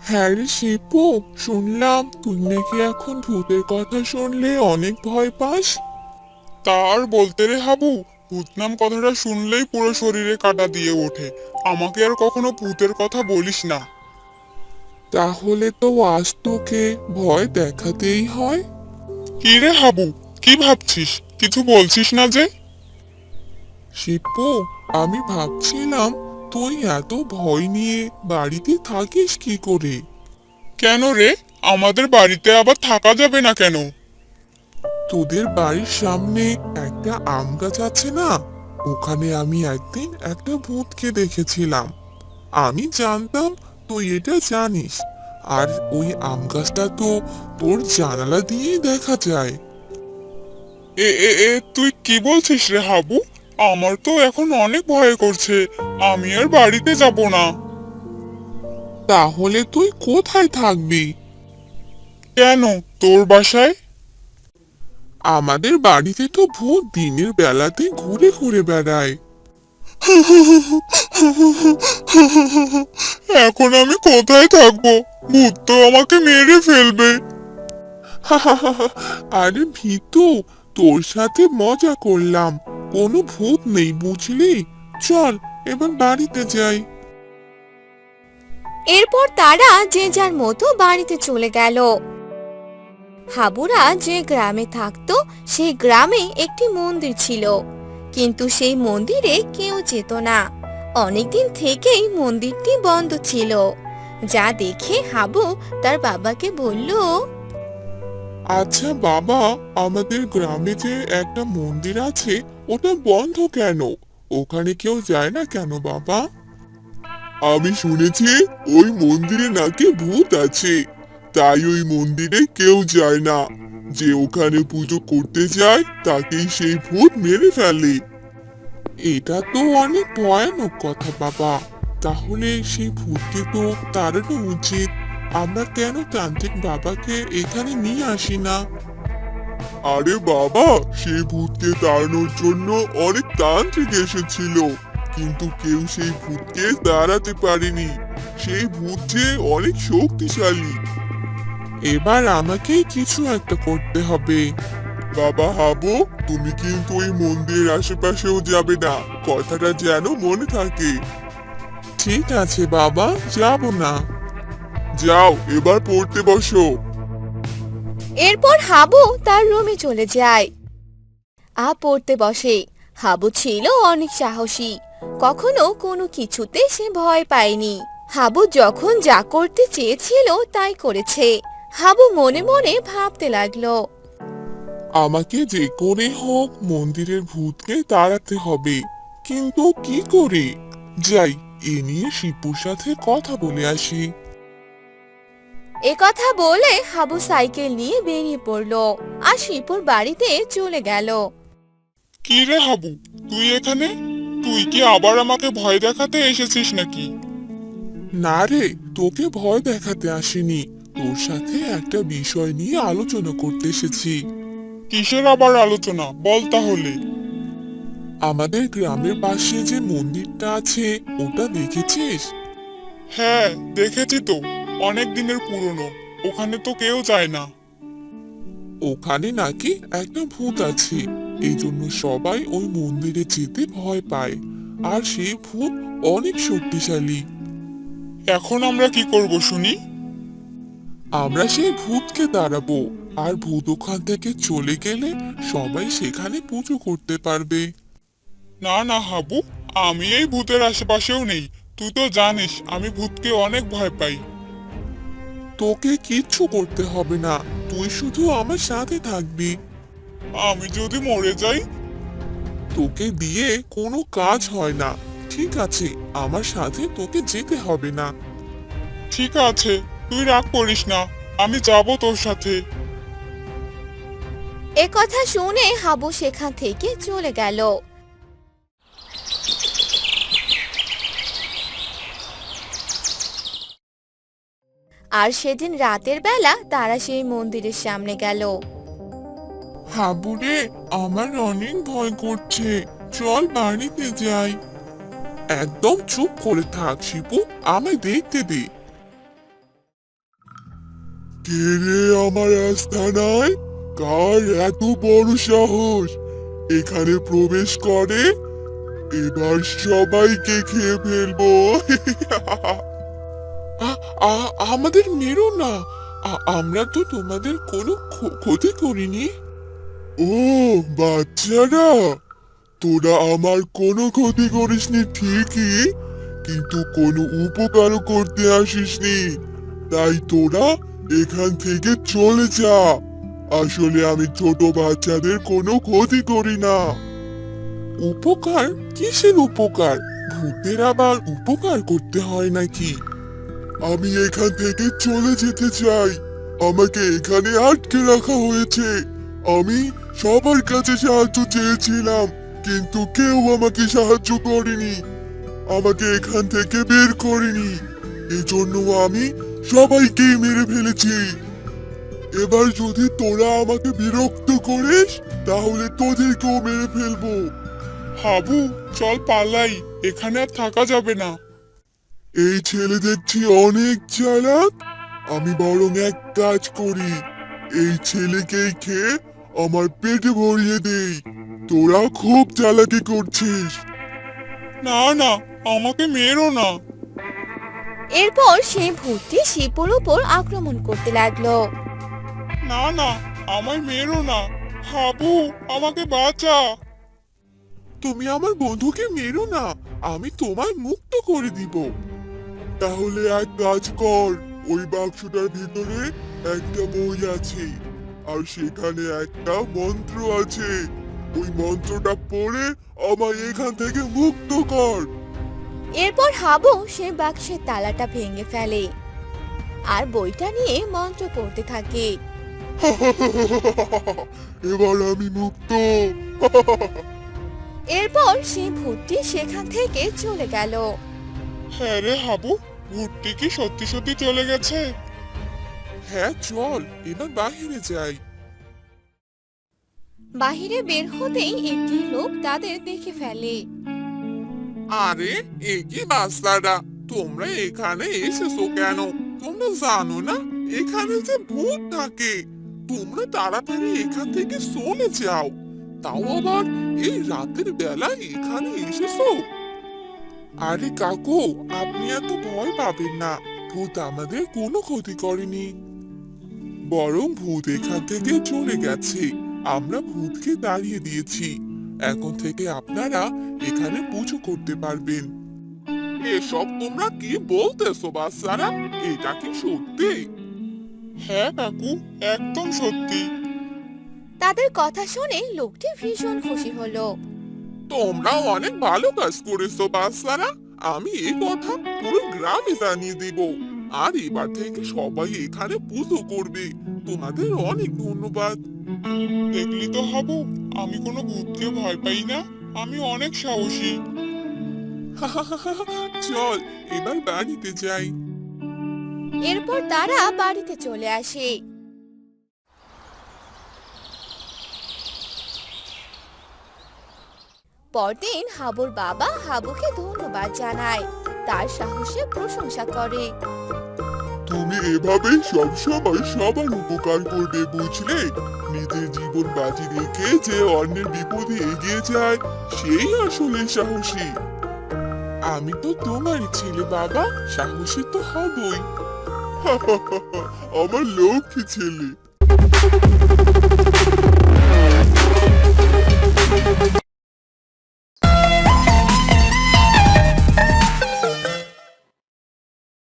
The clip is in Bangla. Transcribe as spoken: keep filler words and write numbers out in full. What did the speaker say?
হ্যাঁ রে শিপু, শুনলাম তুই নাকি এখন ভূতের কথা শুনলে অনেক ভয় পাস। তার বলতে রে হাবু, ভূত নাম কথাটা শুনলেই পুরো শরীরে কাঁটা দিয়ে ওঠে। আমাকে আর কখনো ভূতের কথা বলিস না। তাহলে তো আজ তোকে ভয় দেখাতেই হয়। কি রে হাবু, কি ভাবছিস? কিছু বলছিস না যে? শিপু, আমি ভাবছিলাম তুই এত ভয় নিয়ে বাড়িতে থাকিস কি করে। কেন রে, আমাদের বাড়িতে আবার থাকা যাবে না কেন? তোদের বাড়ির সামনে একটা আম গাছ আছে না, ওখানে আমি একদিন একটা ভূতকে দেখেছিলাম। আমি জানতাম তুই এটা জানিস, আর ওই আম গাছটা তো তোর জানালা দিয়েই দেখা যায়। এ এ এ তুই কি বলছিস রে হাবু? আমার তো এখন অনেক ভয় করছে। আমি আর বাড়িতে যাব না। তাহলে তুই কোথায় থাকবি? কেন, তোর বাসায়? আমাদের বাড়িতে তো ভূত দিনের বেলাতে ঘুরে ঘুরে বেড়ায়। এখন আমি কোথায় থাকবো? ভূত তো আমাকে মেরে ফেলবে। আরে ভীতু, তোর সাথে মজা করলাম, কোনো ভূত নেই বুঝলি। চল এবার বাড়িতে যাই। এরপর তারা যে যার মতো বাড়িতে চলে গেল। হাবুরা যে গ্রামে থাকতো সেই গ্রামে একটি মন্দির ছিল, কিন্তু সেই মন্দিরে কেউ যেত না। অনেকদিন থেকেই মন্দিরটি বন্ধ ছিল। যা দেখে হাবু তার বাবাকে বলল, আচ্ছা বাবা, আমাদের গ্রামে যে একটা মন্দির আছে ওটা বন্ধ কেন? ওখানে কেউ যায় না কেন বাবা? আমি শুনেছি ওই মন্দিরে নাকি ভূত আছে, তাই ওই মন্দিরে কেউ যায় না। যে ওখানে পুজো করতে যায় তাকেই সেই ভূত মেরে ফেলে। এটা তো অনেক ভয়ানক কথা বাবা। তাহলে সেই ভূতকে তো তাড়ানো উচিত। আমরা কেন তান্ত্রিক বাবাকে এখানে নিয়ে আসি না? আরে বাবা, সেই ভূতকে তাড়ানোর জন্য অনেক তান্ত্রিক এসেছিল, কিন্তু কেউ সেই ভূতকে তাড়াতে পারেনি। সেই ভূত যে অনেক শক্তিশালী। এবার আমাকে কিছু একটা করতে হবে। বাবা হাবু, তুমি কিন্তু ওই মন্দিরের আশেপাশেও যাবে না, কথাটা যেন মনে থাকে। ঠিক আছে বাবা, যাব না। যাও এবার পড়তে বসো। এরপর হাবু তার রুমে চলে যায়। আ পড়তে বসে। হাবু ছিল অনেক সাহসী, কখনো কোনো কিছুতে সে ভয় পায়নি। হাবু যখন যা করতে চেয়েছিল তাই করেছে। হাবু মনে মনে ভাবতে লাগলো, আমাকে যে করে হোক মন্দিরের ভূতকে তাড়াতে হবে, কিন্তু কি করে? যাই, এ নিয়ে শিপুর সাথে কথা বলে আসি। এ কথা বলে হাবু সাইকেল নিয়ে বেরিয়ে পড়লো আর শিপুর বাড়িতে চলে গেল। কি রে হাবু, তুই এখানে? তুই কি আবার আমাকে ভয় দেখাতে এসেছিস নাকি? না রে, তোকে ভয় দেখাতে আসিনি, তোর সাথে একটা বিষয় নিয়ে আলোচনা করতে এসেছি। কিসের আবার আলোচনা, বল তাহলে। আমাদের গ্রামের পাশে যে মন্দিরটা আছে ওটা দেখেছিস? হ্যাঁ, দেখেছি তো। অনেক দিনের পুরনো। ওখানে তো কেউ যায় না। ওখানে নাকি একটা ভূত আছে, এই জন্য সবাই ওই মন্দিরে যেতে ভয় পায়। আর সেই ভূত অনেক শক্তিশালী। এখন আমরা কি করব শুনি? আমরা সেই ভূতকে তাড়াবো, আর ভূত ওখান থেকে চলে গেলে সবাই সেখানে পুজো করতে পারবে। না না হাবু, আমি এই ভূতের আশেপাশেও নেই। তুই তো জানিস আমি ভূতকে অনেক ভয় পাই। তোকে কিচ্ছু করতে হবে না, তুই শুধু আমার সাথে থাকবি। আমি যদি মরে যাই? তোকে দিয়ে কোনো কাজ হয় না। ঠিক আছে, আমার সাথে তোকে যেতে হবে না। ঠিক আছে, তুই রাগ করিস না। আমি যাব তোর সাথে। এ কথা শুনে হাবু সেখান থেকে চলে গেল। আর সেদিন রাতের বেলা তারা সেই মন্দিরের সামনে গেল। হাবুরে, আমার অনেক ভয় করছে, চল বাড়িতে যাই। একদম চুপ করে থাক শিপু, আমায় দেখতে দে। কে রে আমার আস্তানায়? কার এত বড় সাহস এখানে প্রবেশ করে? এবার সবাইকে খেয়ে ফেলবো। আ- আ- আমাদের মেরো না। আ- আমরা তো তোমাদের কোনো ক্ষ- ক্ষতি করিনি। ও বাচ্চারা, তোরা আমার কোনো ক্ষতি করিসনি ঠিকই, কিন্তু কোনো উপকারও করতে আসিসনি। তাই তোরা এখান থেকে চলে যা। আসলে আমি ছোট বাচ্চাদের কোনো ক্ষতি করি না। উপকার? কিসের উপকার? ভূতের আবার উপকার করতে হয় নাকি? আমি এখান থেকে চলে যেতে চাই। আমাকে এখানে আটকে রাখা হয়েছে। আমি সবার কাছে সাহায্য চেয়েছিলাম, কিন্তু কেউ আমাকে সাহায্য করেনি, আমাকে এখান থেকে বের করেনি। এজন্য আমি সবাইকে মেরে ফেলেছি। এবার যদি তোরা আমাকে বিরক্ত করিস, তাহলে তোদেরকেও মেরে ফেলবো। হাবু, চল পালাই, এখানে আর থাকা যাবে না। এই ছেলে দেখছি অনেক চালাক। আমি বরং এক কাজ করি, এই ছেলেকেই খেয়ে আমার পেটে ভরিয়ে দেই। তোরা খুব চালাকি করছিস। না না, আমাকে মেরো না। এরপর সেই ভূতটি শিপুর উপর আক্রমণ করতে লাগলো। না না, আমায় মেরো না। হাবু, আমাকে বাঁচা। তুমি আমার বন্ধুকে মেরো না, আমি তোমায় মুক্ত করে দিব। তাহলে এক কাজ কর, ওই বাক্সটার ভিতরে একটা বই আছে, আর সেখানে একটা মন্ত্র আছে। ওই মন্ত্রটা পড়ে আমায় এখান থেকে মুক্ত কর। এরপর হাবু সে বাক্সের তালাটা ভেঙে ফেলে আর বইটা নিয়ে মন্ত্র পড়তে থাকে। এবার আমি মুক্ত। এরপর সেই ভূতটি সেখান থেকে চলে গেল। হ্যাঁ রে হাবু, ভূতটি কি সত্যি সত্যি চলে গেছে? হ্যাঁ চল, এবার বাহিরে যাই। বাহিরে বের হতেই একটি লোক তাদের দেখে ফেলে। আরে এ কি বাচ্চারা, তোমরা এখানে এসেছো কেন? তোমরা জানো না এখানে যে ভূত থাকে? তোমরা তাড়াতাড়ি এখান থেকে চলে যাও। তাও আবার এই রাতের বেলায় এখানে এসেছো? আরে কাকু, আপনি এত ভয় পাবেন না। ভূত আমাদের কোনো ক্ষতি করেনি, বরং ভূত এখান থেকে চলে গেছে। আমরা ভূতকে দাঁড়িয়ে দিয়েছি। এখন থেকে আপনারা এখানে পুজো করতে পারবেন। এসব তোমরা কি বলতেছো বাচ্চারা? এটা কি সত্যি? হ্যাঁ কাকু, একদম সত্যি। তাদের কথা শুনে লোকটি ভীষণ খুশি হলো। তোমরা অনেক ভালো কাজ করেছো বাচ্চারা। আমি এই কথা পুরো গ্রামে জানিয়ে দেব, আর এবার থেকে সবাই এখানে পুজো করবে। তোমাদের অনেক ধন্যবাদ। দেখলি তো হাবু, আমি কোনো ভূতকে ভয় পাই না, আমি অনেক সাহসী। চল এবার বাড়িতে যাই। এরপর তারা বাড়িতে চলে আসে। পরদিন হাবুর বাবা হাবুকে ধন্যবাদ জানায়, তার সাহসের প্রশংসা করে। তুমি এভাবে সবসময় সবার উপকার করবে, বুঝলে? নিজের জীবন বাজি রেখে যে অন্যের বিপদে এগিয়ে যায়, সেই আসলে সাহসী। আমি তো তোমারই ছেলে বাবা, সাহসী তো হবই। আমার লক্ষ্মী ছেলে।